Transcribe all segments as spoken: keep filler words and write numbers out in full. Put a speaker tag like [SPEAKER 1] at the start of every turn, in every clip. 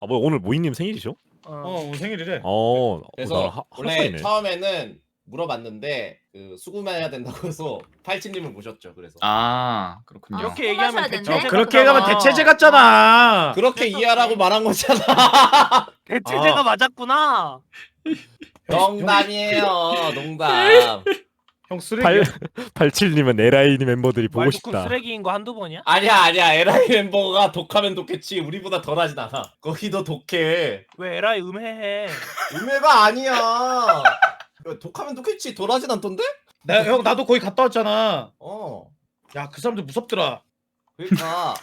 [SPEAKER 1] 아, 뭐 오늘 모이님 생일이죠?
[SPEAKER 2] 어,
[SPEAKER 3] 어 오늘 생일이래.
[SPEAKER 1] 어,
[SPEAKER 2] 그래서
[SPEAKER 1] 어, 하,
[SPEAKER 2] 원래
[SPEAKER 1] 하나이네.
[SPEAKER 2] 처음에는 물어봤는데 그 수금해야 된다고 해서 팔찌님을 모셨죠. 그래서
[SPEAKER 4] 아 그렇군요.
[SPEAKER 5] 아,
[SPEAKER 3] 이렇게
[SPEAKER 5] 얘기하면
[SPEAKER 3] 얘기하면
[SPEAKER 5] 되는데?
[SPEAKER 3] 대체제
[SPEAKER 5] 어,
[SPEAKER 3] 그렇게 얘기하면 대체제 같잖아.
[SPEAKER 2] 그렇게
[SPEAKER 5] 그래서
[SPEAKER 2] 이해하라고
[SPEAKER 5] 그래.
[SPEAKER 2] 말한 거잖아.
[SPEAKER 3] 대체제가
[SPEAKER 1] 아.
[SPEAKER 3] 맞았구나.
[SPEAKER 2] 농담이에요. 농담.
[SPEAKER 3] 형 쓰레기.
[SPEAKER 1] 팔 팔칠님은 에라이니 멤버들이 보고
[SPEAKER 3] 말 듣고
[SPEAKER 1] 싶다.
[SPEAKER 3] 쓰레기인 거 한두 번이야?
[SPEAKER 2] 아니야 아니야 에라이 멤버가 독하면 독했지 우리보다 덜하진 않아. 거기 더 독해.
[SPEAKER 3] 왜 에라이 음해해?
[SPEAKER 2] 음해가 아니야. 야, 독하면 독했지 덜하진 않던데?
[SPEAKER 3] 나 형 나도 거기 갔다 왔잖아.
[SPEAKER 2] 어.
[SPEAKER 3] 야 그 사람들 무섭더라.
[SPEAKER 2] 그러니까.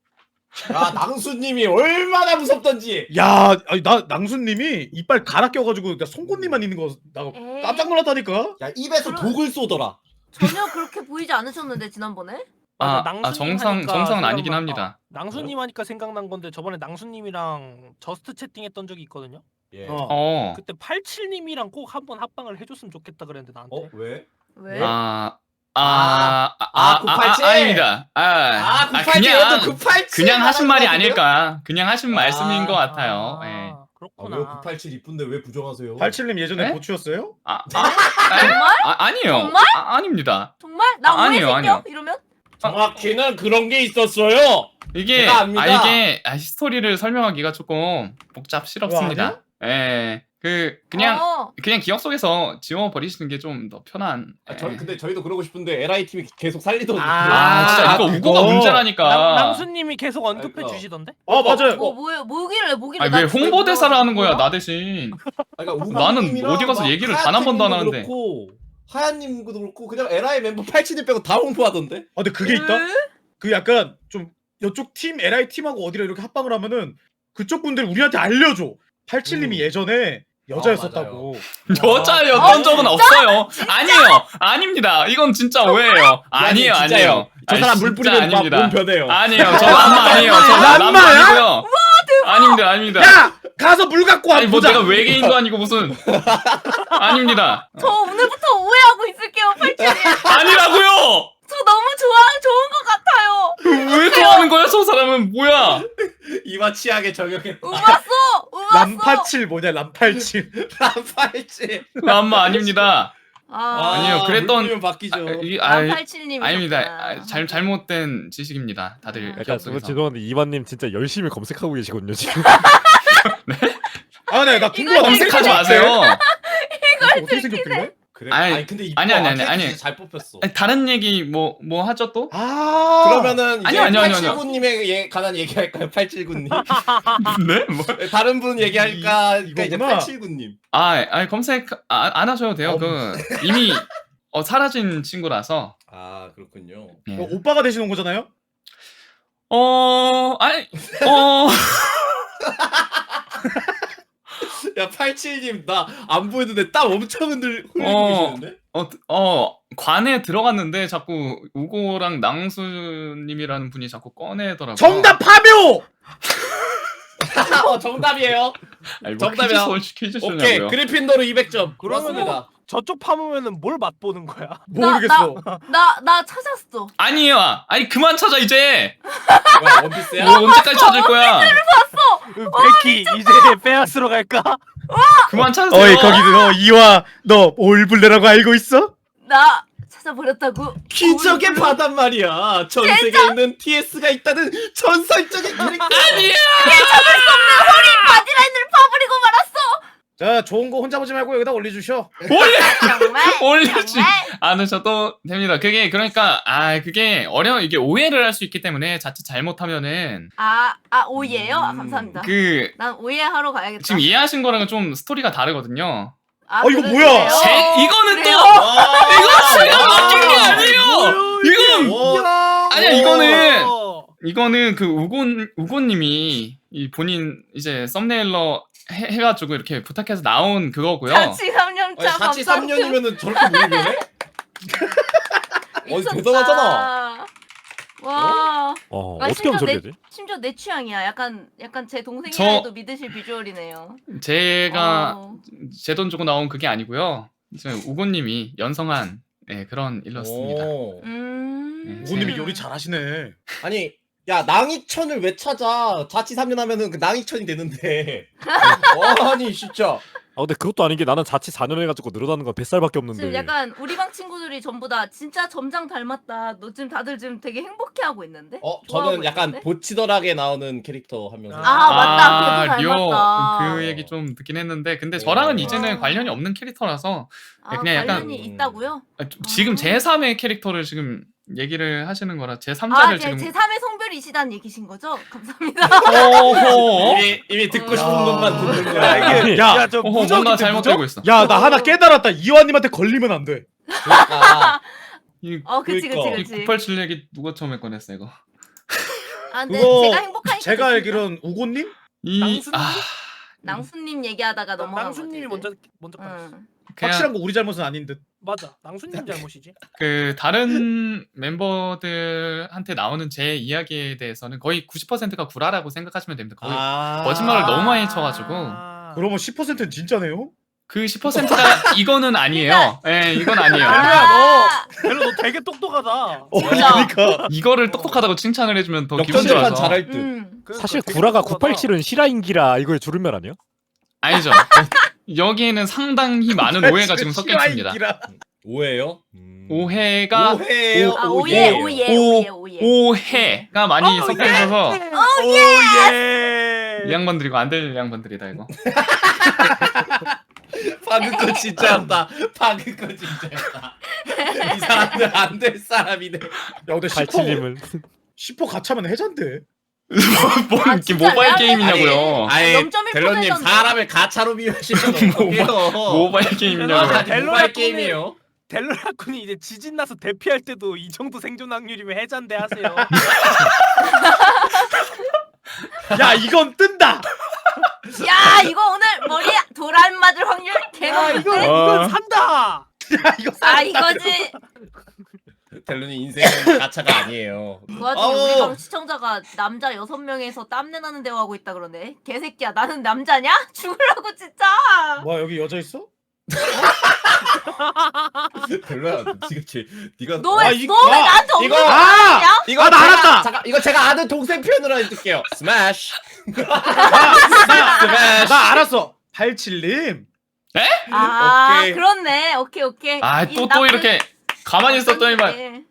[SPEAKER 2] 야 낭수님이 얼마나 무섭던지.
[SPEAKER 3] 야 아니, 나 낭수님이 이빨 갈아 껴가지고 나 송곳니만 있는 거 나
[SPEAKER 5] 에이.
[SPEAKER 3] 깜짝 놀랐다니까.
[SPEAKER 2] 야 입에서
[SPEAKER 5] 그럼-
[SPEAKER 2] 독을 쏘더라.
[SPEAKER 5] 전혀 그렇게 보이지 않으셨는데 지난번에?
[SPEAKER 4] 아,
[SPEAKER 3] 맞아,
[SPEAKER 4] 아
[SPEAKER 3] 낭수님
[SPEAKER 4] 정상
[SPEAKER 3] 하니까
[SPEAKER 4] 정상은 아니긴
[SPEAKER 3] 생각났다.
[SPEAKER 4] 합니다.
[SPEAKER 3] 낭수님 하니까 생각난 건데 저번에 낭수님이랑 저스트 채팅했던 적이 있거든요.
[SPEAKER 2] 예.
[SPEAKER 3] 어.
[SPEAKER 4] 어.
[SPEAKER 3] 그때 팔칠님이랑 꼭 한번 합방을 해줬으면 좋겠다 그랬는데 나한테.
[SPEAKER 2] 어 왜?
[SPEAKER 5] 왜?
[SPEAKER 4] 아. 아, 아,
[SPEAKER 2] 아,
[SPEAKER 4] 아,
[SPEAKER 2] 구팔칠?
[SPEAKER 4] 아, 아닙니다. 아,
[SPEAKER 2] 아
[SPEAKER 4] 아,
[SPEAKER 2] 구팔칠
[SPEAKER 4] 그냥,
[SPEAKER 2] 도 구팔칠
[SPEAKER 4] 그냥 하신 말이
[SPEAKER 2] 말하는 거 같은데요?
[SPEAKER 4] 아닐까. 그냥 하신
[SPEAKER 2] 아.
[SPEAKER 4] 말씀인 것 같아요. 예.
[SPEAKER 3] 아,
[SPEAKER 2] 아,
[SPEAKER 3] 그렇구나.
[SPEAKER 2] 왜 구팔칠 이쁜데 왜 부정하세요?
[SPEAKER 3] 팔칠님 예전에
[SPEAKER 4] 네?
[SPEAKER 3] 고추였어요?
[SPEAKER 4] 아, 아,
[SPEAKER 5] 정말?
[SPEAKER 4] 아, 아니에요.
[SPEAKER 5] 정말?
[SPEAKER 4] 아, 아닙니다.
[SPEAKER 5] 정말? 나
[SPEAKER 4] 아,
[SPEAKER 5] 오해
[SPEAKER 4] 아니에요,
[SPEAKER 5] 생겨?
[SPEAKER 4] 아니에요.
[SPEAKER 5] 이러면?
[SPEAKER 2] 정확히는 그런 게 있었어요.
[SPEAKER 4] 이게,
[SPEAKER 2] 제가 압니다.
[SPEAKER 4] 아, 이게, 아, 스토리를 설명하기가 조금 복잡스럽습니다. 예. 그, 그냥,
[SPEAKER 5] 어.
[SPEAKER 4] 그냥 기억 속에서 지워버리시는 게 좀 더 편한.
[SPEAKER 2] 아,
[SPEAKER 4] 예.
[SPEAKER 2] 저, 근데 저희도 그러고 싶은데 에라이 팀이 계속 살리더니
[SPEAKER 4] 아, 진짜 이거 우고가
[SPEAKER 3] 그거.
[SPEAKER 4] 문제라니까.
[SPEAKER 3] 낭, 낭수님이 계속 언급해
[SPEAKER 2] 그러니까.
[SPEAKER 3] 주시던데? 아 맞아요.
[SPEAKER 5] 뭐 뭐예요? 뭐길래 뭐길래?
[SPEAKER 4] 아니, 왜
[SPEAKER 5] 나 지금
[SPEAKER 4] 홍보대사를 하는 거야,
[SPEAKER 5] 뭐야?
[SPEAKER 4] 나 대신.
[SPEAKER 2] 그러니까
[SPEAKER 4] 나는
[SPEAKER 2] 우구님이랑
[SPEAKER 4] 어디 가서
[SPEAKER 2] 막
[SPEAKER 4] 얘기를 단 한 번도 안
[SPEAKER 2] 하얀님도
[SPEAKER 4] 하는데.
[SPEAKER 2] 그렇고, 하얀님도 그렇고 그냥 에라이 멤버 팔칠님 빼고 다 홍보하던데.
[SPEAKER 3] 아 근데 그게 있다.
[SPEAKER 5] 왜?
[SPEAKER 3] 그 약간 좀 이쪽 팀 엘아이 팀하고 어디를 이렇게 합방을 하면은 그쪽 분들이 우리한테 알려줘. 팔칠님이
[SPEAKER 2] 음.
[SPEAKER 3] 예전에 여자였었다고.
[SPEAKER 4] 여자였던
[SPEAKER 5] 아,
[SPEAKER 4] 적은 없어요. 아니에요. 아닙니다. 이건 진짜 오해예요. 아니에요,
[SPEAKER 2] 진짜예요.
[SPEAKER 4] 아니에요.
[SPEAKER 2] 저
[SPEAKER 4] 아니,
[SPEAKER 2] 사람 물
[SPEAKER 4] 진짜
[SPEAKER 2] 뿌리면 막
[SPEAKER 4] 아닙니다.
[SPEAKER 2] 몸 변해요.
[SPEAKER 4] 아니에요. 저 남마 아니에요. 저 남마
[SPEAKER 3] 남마야?
[SPEAKER 4] 아니고요. 아닙니다, 아닙니다.
[SPEAKER 3] 야 가서 물 갖고 와
[SPEAKER 4] 아니 뭐
[SPEAKER 3] 보자.
[SPEAKER 4] 내가 외계인도 아니고 무슨. 아닙니다.
[SPEAKER 5] 저 오늘부터 오해하고 있을게요, 팔칠님.
[SPEAKER 4] 아니라고요.
[SPEAKER 5] 저 너무 좋아, 좋은 것 같아요.
[SPEAKER 4] 왜 좋아하는 거야, 저 사람은 뭐야?
[SPEAKER 2] 이마 치약에 적용했다.
[SPEAKER 5] 우봤어, 우봤어.
[SPEAKER 3] 람팔칠 뭐냐 람팔칠.
[SPEAKER 2] 팔칠.
[SPEAKER 4] 남마 아닙니다.
[SPEAKER 5] 아,
[SPEAKER 4] 아니요, 그랬던-
[SPEAKER 2] 물 뿌리면 바뀌죠.
[SPEAKER 4] 아, 이게 아,
[SPEAKER 5] 람팔칠님.
[SPEAKER 4] 아닙니다. 아, 잘 잘못된 지식입니다. 다들
[SPEAKER 1] 약간
[SPEAKER 4] 기억
[SPEAKER 1] 저
[SPEAKER 4] 속에서.
[SPEAKER 1] 죄송한데 이만님 진짜 열심히 검색하고 계시거든요 지금.
[SPEAKER 3] 아네 나 궁금하다.
[SPEAKER 4] 검색하지 마세요.
[SPEAKER 3] 어떻게 생겼길래?
[SPEAKER 2] 그래?
[SPEAKER 4] 아니,
[SPEAKER 2] 아니, 근데 이거
[SPEAKER 4] 아니, 아니, 아니,
[SPEAKER 2] 아케이드
[SPEAKER 4] 아니.
[SPEAKER 2] 진짜 잘 뽑혔어.
[SPEAKER 4] 아니, 다른 얘기 뭐 뭐 하죠 또?
[SPEAKER 3] 아
[SPEAKER 2] 그러면은 이제
[SPEAKER 4] 아니요, 아니요, 아니요, 아니요.
[SPEAKER 2] 팔칠구님에 예, 관한 얘기할까요? 팔칠구님.
[SPEAKER 4] 네? 뭐?
[SPEAKER 2] 다른 분 얘기할까?
[SPEAKER 3] 이-
[SPEAKER 2] 그러니까 이제
[SPEAKER 3] 이거구나.
[SPEAKER 2] 팔칠구님.
[SPEAKER 4] 아, 아니 검색 아, 안 하셔도 돼요.
[SPEAKER 3] 어,
[SPEAKER 4] 그 이미 어, 사라진 친구라서.
[SPEAKER 2] 아 그렇군요.
[SPEAKER 4] 예.
[SPEAKER 3] 어, 오빠가 되시는 거잖아요?
[SPEAKER 4] 어, 아니, 어,
[SPEAKER 2] 야 팔칠님 나 안 보이는데 땀 엄청 흔들 흘리고
[SPEAKER 4] 어.
[SPEAKER 2] 계시는데?
[SPEAKER 4] 어, 어, 관에 들어갔는데 자꾸 우고랑 낭수님이라는 분이 자꾸 꺼내더라고요.
[SPEAKER 3] 정답 파묘.
[SPEAKER 2] 어 정답이에요.
[SPEAKER 4] 아니, 뭐
[SPEAKER 2] 정답이야.
[SPEAKER 4] 퀴즈, 퀴즈
[SPEAKER 2] 오케이
[SPEAKER 4] 쇼냐고요.
[SPEAKER 2] 그리핀도르 이백 점.
[SPEAKER 3] 그러면은
[SPEAKER 2] 그렇습니다.
[SPEAKER 3] 저쪽 파보면은 뭘 맛보는 거야? 모르겠어.
[SPEAKER 5] 나, 나 찾았어.
[SPEAKER 4] 아니에요. 아니 그만 찾아 이제.
[SPEAKER 2] 뭐야 원피스야?
[SPEAKER 4] 뭐 언제까지 찾을 거야?
[SPEAKER 3] 베키 이제 빼앗으러 갈까?
[SPEAKER 4] 그만 찾으세요.
[SPEAKER 3] 어이 거기 너 이화 너 올블레라고 알고 있어?
[SPEAKER 5] 나 찾아버렸다고.
[SPEAKER 2] 기적의 바단 말이야. 전 세계에 있는 티에스가 있다는 전설적인 캐릭터.
[SPEAKER 4] 아니야.
[SPEAKER 5] 바디라인을 파버리고 말았어.
[SPEAKER 3] 자 좋은 거 혼자 보지 말고 여기다 올려주셔.
[SPEAKER 4] 올려
[SPEAKER 5] 정말?
[SPEAKER 4] 올리지
[SPEAKER 5] 정말?
[SPEAKER 4] 않으셔도 됩니다. 그게 그러니까 아 그게 어려 이게 오해를 할 수 있기 때문에 자칫 잘못하면은
[SPEAKER 5] 아, 아 오이예요? 아,
[SPEAKER 2] 음.
[SPEAKER 5] 감사합니다.
[SPEAKER 4] 그
[SPEAKER 5] 난 오이하러 가야겠다.
[SPEAKER 4] 지금 이해하신 거랑은 좀 스토리가 다르거든요.
[SPEAKER 5] 아,
[SPEAKER 3] 어, 이거
[SPEAKER 5] 그래-
[SPEAKER 3] 뭐야?
[SPEAKER 5] 그래요?
[SPEAKER 4] 제, 이거는
[SPEAKER 5] 그래요?
[SPEAKER 4] 또 이거 제가
[SPEAKER 2] 와.
[SPEAKER 4] 맡긴 게 아니에요. 이거는
[SPEAKER 2] 와.
[SPEAKER 4] 아니야 이거는
[SPEAKER 3] 어.
[SPEAKER 4] 이거는 그 우곤 우곤님이 이 본인 이제 썸네일러 해, 해가지고 이렇게 부탁해서 나온 그거고요.
[SPEAKER 5] 자취 삼 년
[SPEAKER 2] 아니,
[SPEAKER 5] 차.
[SPEAKER 2] 같이 삼 년이면은 저렇게 모이 변해? 어 대단하잖아.
[SPEAKER 5] 와.
[SPEAKER 1] 어
[SPEAKER 5] 아,
[SPEAKER 1] 어떻게 하면
[SPEAKER 5] 심지어
[SPEAKER 1] 저렇게
[SPEAKER 5] 내,
[SPEAKER 1] 되지?
[SPEAKER 5] 심지어 내 취향이야. 약간 약간 제 동생이라
[SPEAKER 4] 저-
[SPEAKER 5] 해도 믿으실 비주얼이네요.
[SPEAKER 4] 제가
[SPEAKER 5] 어.
[SPEAKER 4] 제 돈 주고 나온 그게 아니고요. 이제 우곤님이 연성한 네, 그런 일러스트입니다.
[SPEAKER 2] 오.
[SPEAKER 5] 음.
[SPEAKER 4] 네,
[SPEAKER 3] 우고님이 요리 잘하시네.
[SPEAKER 2] 아니 야 낭이천을 왜 찾아? 자취 삼 년 하면은 그 낭이천이 되는데. 아니 진짜.
[SPEAKER 1] 아 근데 그것도 아닌 게 나는 자취 사 년 해가지고 늘어나는 건 뱃살밖에 없는데.
[SPEAKER 5] 지금 약간 우리 방 친구들이 전부 다 진짜 점장 닮았다. 너 지금 다들 지금 되게 행복해하고 있는데?
[SPEAKER 2] 어
[SPEAKER 5] 좋아하고
[SPEAKER 2] 저는 약간
[SPEAKER 5] 있는데?
[SPEAKER 2] 보치더락에 나오는 캐릭터 한 명.
[SPEAKER 5] 아, 맞다. 걔도
[SPEAKER 4] 리오
[SPEAKER 5] 닮았다.
[SPEAKER 4] 그 얘기 좀 듣긴 했는데 근데 저랑은
[SPEAKER 2] 어.
[SPEAKER 4] 이제는 관련이 없는 캐릭터라서
[SPEAKER 5] 아,
[SPEAKER 4] 그냥 약간-
[SPEAKER 5] 관련이 있다고요?
[SPEAKER 4] 아, 좀 지금 제삼의 캐릭터를 지금 얘기를 하시는 거라
[SPEAKER 5] 아,
[SPEAKER 4] 제삼자를
[SPEAKER 5] 제,
[SPEAKER 4] 지금
[SPEAKER 5] 제삼의 성별이시다는 얘기신 거죠? 감사합니다.
[SPEAKER 4] 어허
[SPEAKER 2] 이미 이미 듣고 싶은
[SPEAKER 3] 야.
[SPEAKER 2] 것만 듣는 거야. 이게.
[SPEAKER 3] 야,
[SPEAKER 6] 야저
[SPEAKER 4] 어허
[SPEAKER 6] 무적인데
[SPEAKER 4] 뭔가
[SPEAKER 6] 무적?
[SPEAKER 4] 잘못되고 있어.
[SPEAKER 3] 야, 나 하나 깨달았다. 이완님한테 걸리면 안 돼.
[SPEAKER 2] 그러니까.
[SPEAKER 4] 이,
[SPEAKER 5] 어, 그치, 그치,
[SPEAKER 2] 그러니까.
[SPEAKER 4] 이
[SPEAKER 5] 그치.
[SPEAKER 4] 구팔칠 얘기 누가 처음에 꺼냈어 이거?
[SPEAKER 5] 아, 근데
[SPEAKER 3] 그거
[SPEAKER 5] 제가 행복하니까.
[SPEAKER 3] 제가
[SPEAKER 5] 됐습니다.
[SPEAKER 3] 알기론 우고님?
[SPEAKER 4] 이
[SPEAKER 6] 낭수님?
[SPEAKER 4] 아,
[SPEAKER 5] 낭수님 얘기하다가 넘어간 거지.
[SPEAKER 6] 낭수님이
[SPEAKER 5] 이제.
[SPEAKER 6] 먼저 먼저 받았어.
[SPEAKER 5] 응.
[SPEAKER 4] 그냥
[SPEAKER 3] 확실한 거 우리 잘못은 아닌 듯.
[SPEAKER 6] 맞아. 낭수님 잘못이지.
[SPEAKER 4] 그 다른 멤버들한테 나오는 제 이야기에 대해서는 거의 구십 퍼센트가 구라라고 생각하시면 됩니다. 거의
[SPEAKER 2] 아.
[SPEAKER 4] 거짓말을 너무 많이 쳐가지고
[SPEAKER 6] 아.
[SPEAKER 3] 그러면 십 퍼센트는 진짜네요?
[SPEAKER 4] 그 십 퍼센트가 이거는 아니에요. 예, 이건 아니에요.
[SPEAKER 6] 야, 너 별로 너 되게 똑똑하다.
[SPEAKER 3] 어,
[SPEAKER 5] 진짜.
[SPEAKER 3] 그러니까.
[SPEAKER 4] 이거를 똑똑하다고 칭찬을 해주면 더 기분
[SPEAKER 2] 역전재판
[SPEAKER 4] 좋아서.
[SPEAKER 2] 잘할 듯.
[SPEAKER 5] 음.
[SPEAKER 6] 그러니까
[SPEAKER 1] 사실
[SPEAKER 6] 되게
[SPEAKER 1] 구라가
[SPEAKER 6] 똑똑하다.
[SPEAKER 1] 구팔칠은 실화인기라 이거의 줄임말 아니에요?
[SPEAKER 4] 아니죠. 여기에는 상당히 많은 오해가 지금 섞여 있습니다.
[SPEAKER 3] 실화인기라.
[SPEAKER 2] 오해요?
[SPEAKER 4] 오해가
[SPEAKER 2] 오해요.
[SPEAKER 5] 아, 오예, 오예, 오예, 오예.
[SPEAKER 4] 오해가 많이
[SPEAKER 6] 어,
[SPEAKER 4] 섞여
[SPEAKER 6] 예.
[SPEAKER 4] 있어서
[SPEAKER 6] 오 예.
[SPEAKER 4] 이 양반들이고 안 될 양반들이다 이거.
[SPEAKER 2] 방금 거 진짜였다. 방금 거 진짜였다. 이 사람들 안 될 사람이네.
[SPEAKER 3] 야, 근데 십 퍼센트
[SPEAKER 1] 팔칠님은
[SPEAKER 3] 십 퍼센트 가차면 해잔데.
[SPEAKER 4] 뭐
[SPEAKER 5] 아,
[SPEAKER 4] 이렇게
[SPEAKER 5] 진짜
[SPEAKER 4] 모바일
[SPEAKER 5] 레알
[SPEAKER 4] 게임이냐고요.
[SPEAKER 2] 아예
[SPEAKER 5] 영점일
[SPEAKER 2] 델로님
[SPEAKER 5] 퍼센트던데.
[SPEAKER 2] 사람을 가차로 비유하시면 어떡해요.
[SPEAKER 4] 모바일 게임이냐고요.
[SPEAKER 2] 아,
[SPEAKER 6] 델로라
[SPEAKER 2] 모바일
[SPEAKER 6] 꿈이-
[SPEAKER 2] 게임이에요.
[SPEAKER 6] 델로라군이 이제 지진 나서 대피할 때도 이 정도 생존 확률이면 해잔대 하세요.
[SPEAKER 3] 야, 이건 뜬다.
[SPEAKER 5] 야, 이거 오늘 머리에 돌안 맞을 확률 개
[SPEAKER 6] 야 이거
[SPEAKER 5] 높은데?
[SPEAKER 4] 어.
[SPEAKER 6] 이건 산다.
[SPEAKER 3] 야, 이거
[SPEAKER 5] 아, 이거지.
[SPEAKER 2] 델로님 인생은 가차가 아니에요.
[SPEAKER 5] 그 와중에
[SPEAKER 2] 아우.
[SPEAKER 5] 우리 방 시청자가 남자 여섯 명에서 땀내 나는 대화하고 있다 그러네. 개새끼야, 나는 남자냐? 죽으라고 진짜.
[SPEAKER 3] 뭐야, 여기 여자 있어?
[SPEAKER 2] 델로야, 지그치. 네가
[SPEAKER 5] 너 왜
[SPEAKER 3] 아, 이-
[SPEAKER 5] 너 왜
[SPEAKER 3] 아,
[SPEAKER 5] 나한테 없는
[SPEAKER 2] 이거-
[SPEAKER 5] 거
[SPEAKER 3] 아!
[SPEAKER 5] 아니야?
[SPEAKER 2] 이거
[SPEAKER 3] 아, 나
[SPEAKER 2] 제가-
[SPEAKER 3] 알았다!
[SPEAKER 2] 잠깐 이거 제가 아는 동생 표현으로 해줄게요. 스매시.
[SPEAKER 3] 나, 나 알았어. 팔칠님.
[SPEAKER 5] 아,
[SPEAKER 2] 오케이.
[SPEAKER 5] 그렇네. 오케이, 오케이.
[SPEAKER 4] 아
[SPEAKER 5] 이
[SPEAKER 4] 또 또
[SPEAKER 5] 나쁜-
[SPEAKER 4] 이렇게 가만히 있었더니만
[SPEAKER 5] 네.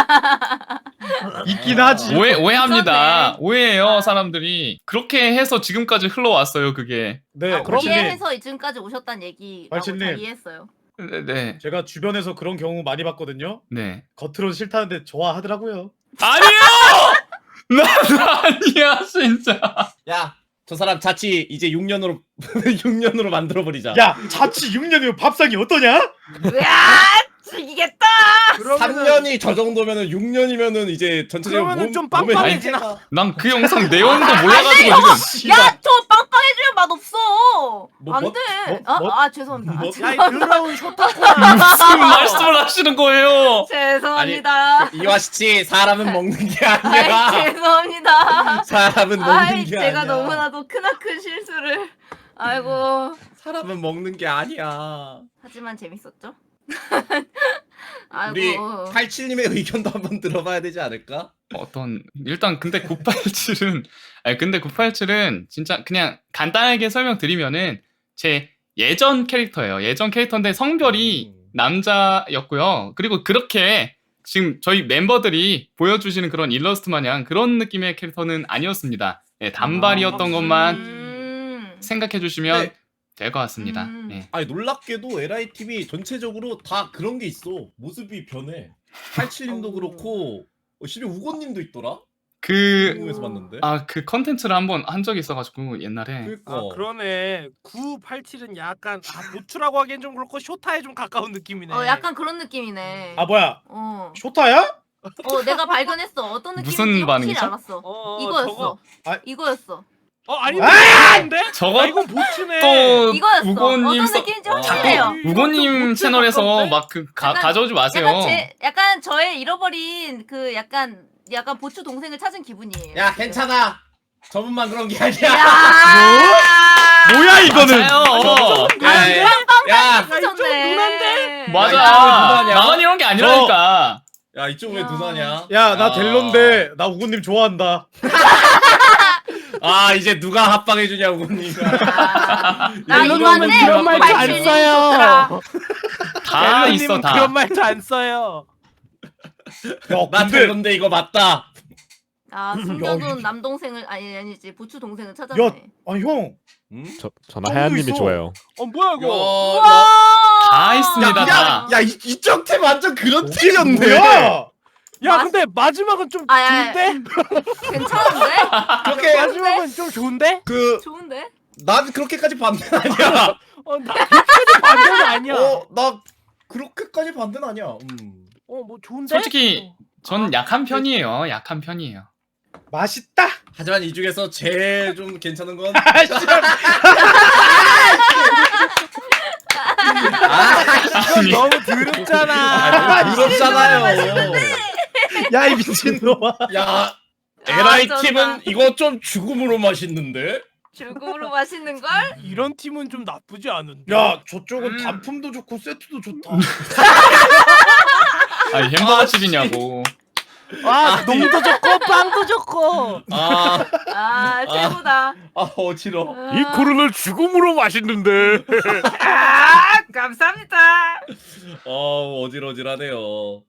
[SPEAKER 3] 있긴 하지.
[SPEAKER 4] 오해 오해합니다.
[SPEAKER 5] 있었네.
[SPEAKER 4] 오해해요
[SPEAKER 5] 아.
[SPEAKER 4] 사람들이. 그렇게 해서 지금까지 흘러왔어요 그게.
[SPEAKER 3] 네,
[SPEAKER 5] 아,
[SPEAKER 3] 팔칠님.
[SPEAKER 5] 이해해서 지금까지 오셨다는 얘기라고
[SPEAKER 3] 발치님.
[SPEAKER 5] 잘 이해했어요.
[SPEAKER 4] 네, 네.
[SPEAKER 3] 제가 주변에서 그런 경우 많이 봤거든요.
[SPEAKER 4] 네.
[SPEAKER 3] 겉으로는 싫다는데 좋아하더라고요.
[SPEAKER 4] 아니에요. 나 아니야 진짜.
[SPEAKER 2] 야, 저 사람 자취 이제 육 년으로 육 년으로 만들어 버리자.
[SPEAKER 3] 야, 자취 육 년이면 밥상이 어떠냐?
[SPEAKER 5] 으아, 죽이겠다.
[SPEAKER 2] 삼 년이 저 정도면은 육 년이면은 이제 전체적으로
[SPEAKER 6] 그러면은
[SPEAKER 2] 몸,
[SPEAKER 6] 좀
[SPEAKER 2] 몸에
[SPEAKER 6] 빵빵해지나?
[SPEAKER 4] 난 그 영상 내용도 몰라가지고 지금.
[SPEAKER 5] 야, 저 빵빵해지면 맛없어.
[SPEAKER 2] 뭐,
[SPEAKER 5] 안
[SPEAKER 2] 뭐,
[SPEAKER 5] 돼.
[SPEAKER 2] 뭐,
[SPEAKER 5] 아,
[SPEAKER 2] 뭐?
[SPEAKER 5] 아, 죄송합니다. 아,
[SPEAKER 2] 뭐?
[SPEAKER 6] 야, 이
[SPEAKER 5] 죄송합니다.
[SPEAKER 6] 더러운 쇼타코야.
[SPEAKER 4] 무슨 말씀을 하시는 거예요?
[SPEAKER 5] 죄송합니다.
[SPEAKER 2] 이와시치 사람은 먹는 게
[SPEAKER 5] 아이,
[SPEAKER 2] 아니야.
[SPEAKER 5] 죄송합니다.
[SPEAKER 2] 사람은 먹는
[SPEAKER 5] 아이,
[SPEAKER 2] 게
[SPEAKER 5] 제가
[SPEAKER 2] 아니야.
[SPEAKER 5] 너무나도 크나큰 실수를. 아이고.
[SPEAKER 2] 사람은 먹는 게 아니야.
[SPEAKER 5] 하지만 재밌었죠?
[SPEAKER 2] 우리
[SPEAKER 5] 아이고.
[SPEAKER 2] 팔칠님의 의견도 한번 들어봐야 되지 않을까?
[SPEAKER 4] 어떤 일단 근데 구팔칠은 아니 근데 구팔칠은 진짜 그냥 간단하게 설명드리면은 제 예전 캐릭터예요. 예전 캐릭터인데 성별이
[SPEAKER 2] 음.
[SPEAKER 4] 남자였고요. 그리고 그렇게 지금 저희 멤버들이 보여주시는 그런 일러스트 마냥 그런 느낌의 캐릭터는 아니었습니다. 예, 단발이었던
[SPEAKER 6] 아,
[SPEAKER 4] 것만
[SPEAKER 5] 음.
[SPEAKER 4] 생각해 주시면
[SPEAKER 2] 네.
[SPEAKER 4] 될 것 같습니다.
[SPEAKER 5] 음.
[SPEAKER 4] 예.
[SPEAKER 2] 아니 놀랍게도 엘아이티비 전체적으로 다 그런 게 있어. 모습이 변해. 팔칠님도
[SPEAKER 6] 어.
[SPEAKER 2] 그렇고 어, 심지어 우고님도 있더라?
[SPEAKER 4] 그
[SPEAKER 2] 궁금해서 봤는데.
[SPEAKER 4] 아 그 컨텐츠를 한번 한 적이 있어가지고 옛날에
[SPEAKER 2] 그러니까.
[SPEAKER 6] 아 그러네. 구팔칠은 약간 아, 보추라고 하기엔 좀 그렇고 쇼타에 좀 가까운 느낌이네.
[SPEAKER 5] 어, 약간 그런 느낌이네.
[SPEAKER 3] 아, 뭐야?
[SPEAKER 5] 어.
[SPEAKER 3] 쇼타야?
[SPEAKER 5] 어, 내가 발견했어. 어떤 느낌인지
[SPEAKER 4] 무슨
[SPEAKER 5] 확실히
[SPEAKER 4] 반응이죠?
[SPEAKER 5] 알았어.
[SPEAKER 6] 어,
[SPEAKER 5] 이거였어.
[SPEAKER 6] 저거.
[SPEAKER 3] 아.
[SPEAKER 5] 이거였어.
[SPEAKER 6] 어 아니
[SPEAKER 3] 아!
[SPEAKER 6] 아닌데?
[SPEAKER 4] 저거
[SPEAKER 6] 아, 이건 보추네.
[SPEAKER 4] 또
[SPEAKER 5] 이거였어.
[SPEAKER 4] 우고님
[SPEAKER 5] 어떤
[SPEAKER 4] 써-
[SPEAKER 5] 느낌인지
[SPEAKER 2] 어.
[SPEAKER 5] 확실해요.
[SPEAKER 6] 자꾸-
[SPEAKER 4] 우고님
[SPEAKER 6] 좀
[SPEAKER 4] 채널에서
[SPEAKER 6] 가까운데?
[SPEAKER 4] 막 그
[SPEAKER 5] 약간-
[SPEAKER 4] 가져오지 마세요.
[SPEAKER 5] 약간 제 약간 저의 잃어버린 그 약간 약간 보추 동생을 찾은 기분이에요.
[SPEAKER 2] 야 괜찮아. 저분만 그런 게 아니야.
[SPEAKER 5] 야!
[SPEAKER 3] 뭐야, 이거는?
[SPEAKER 4] 맞아요.
[SPEAKER 2] 야, 야, 야,
[SPEAKER 5] 미쳤네.
[SPEAKER 6] 누난데?
[SPEAKER 4] 맞아.
[SPEAKER 2] 야, 이거 누나냐?
[SPEAKER 4] 나만 이런 게 아니라니까.
[SPEAKER 2] 야 이쪽 왜
[SPEAKER 5] 야.
[SPEAKER 2] 누나냐?
[SPEAKER 3] 야 나
[SPEAKER 2] 아.
[SPEAKER 3] 델론데 나 우구님 좋아한다.
[SPEAKER 2] 아 이제 누가 합방해주냐 우군이가.
[SPEAKER 5] 아, 나
[SPEAKER 6] 델로님은
[SPEAKER 5] 이만해.
[SPEAKER 6] 그런 말도 안
[SPEAKER 5] 구팔칠님이
[SPEAKER 6] 써요.
[SPEAKER 5] 좋더라.
[SPEAKER 4] 다
[SPEAKER 6] 델로님은
[SPEAKER 4] 있어 다.
[SPEAKER 6] 그런 말도 안 써요.
[SPEAKER 3] 야
[SPEAKER 2] 나
[SPEAKER 3] 근데
[SPEAKER 2] 델론데 이거 맞다.
[SPEAKER 5] 아 숨겨둔
[SPEAKER 3] 이-
[SPEAKER 5] 남동생을 아니 아니지 부추 동생을
[SPEAKER 3] 야
[SPEAKER 5] 찾았네.
[SPEAKER 3] 아 형.
[SPEAKER 2] 응?
[SPEAKER 1] 저 저는
[SPEAKER 3] 똥도
[SPEAKER 1] 하얀님이
[SPEAKER 3] 있어.
[SPEAKER 1] 좋아요.
[SPEAKER 6] 어 뭐야 이거?
[SPEAKER 2] 야,
[SPEAKER 5] 와.
[SPEAKER 4] 다 있습니다,
[SPEAKER 2] 야,
[SPEAKER 4] 다.
[SPEAKER 2] 야, 이, 이쪽 팀 완전 그런
[SPEAKER 3] 이게
[SPEAKER 2] 팀이었네.
[SPEAKER 3] 뭐야?
[SPEAKER 6] 야
[SPEAKER 5] 맛-
[SPEAKER 6] 근데 마지막은 좀
[SPEAKER 5] 아, 야, 야.
[SPEAKER 6] 좋은데?
[SPEAKER 5] 괜찮은데?
[SPEAKER 2] 그렇게
[SPEAKER 6] 마지막은 좀 좋은데?
[SPEAKER 2] 그,
[SPEAKER 5] 좋은데?
[SPEAKER 2] 난 그렇게까지 반대 아니야.
[SPEAKER 6] 어나 그렇게도 반대는 아니야.
[SPEAKER 2] 어, 나 그렇게까지 반대는 아니야. 음.
[SPEAKER 6] 어뭐 좋은데?
[SPEAKER 4] 솔직히 전
[SPEAKER 6] 아,
[SPEAKER 4] 약한 편이에요. 약한 편이에요.
[SPEAKER 3] 맛있다.
[SPEAKER 2] 하지만 이 중에서 제일 좀 괜찮은 건.
[SPEAKER 6] 이건 너무 더럽잖아.
[SPEAKER 2] 아, 부럽잖아요.
[SPEAKER 3] 야 이 미친놈아.
[SPEAKER 2] 야, 에라이
[SPEAKER 5] 쩐다.
[SPEAKER 2] 팀은 이거 좀 죽음으로 맛있는데?
[SPEAKER 5] 죽음으로 맛있는 걸?
[SPEAKER 6] 이런 팀은 좀 나쁘지 않은데.
[SPEAKER 3] 야 저쪽은
[SPEAKER 4] 음.
[SPEAKER 3] 단품도 좋고 세트도 좋다.
[SPEAKER 4] 아니 햄버거 집이냐고.
[SPEAKER 6] 아 농도 좋고 빵도 좋고.
[SPEAKER 2] 아,
[SPEAKER 5] 아 최고다.
[SPEAKER 2] 아 어지러.
[SPEAKER 5] 아,
[SPEAKER 1] 이 코르는 죽음으로 맛있는데.
[SPEAKER 5] 아 감사합니다.
[SPEAKER 2] 어, 어질어질하네요.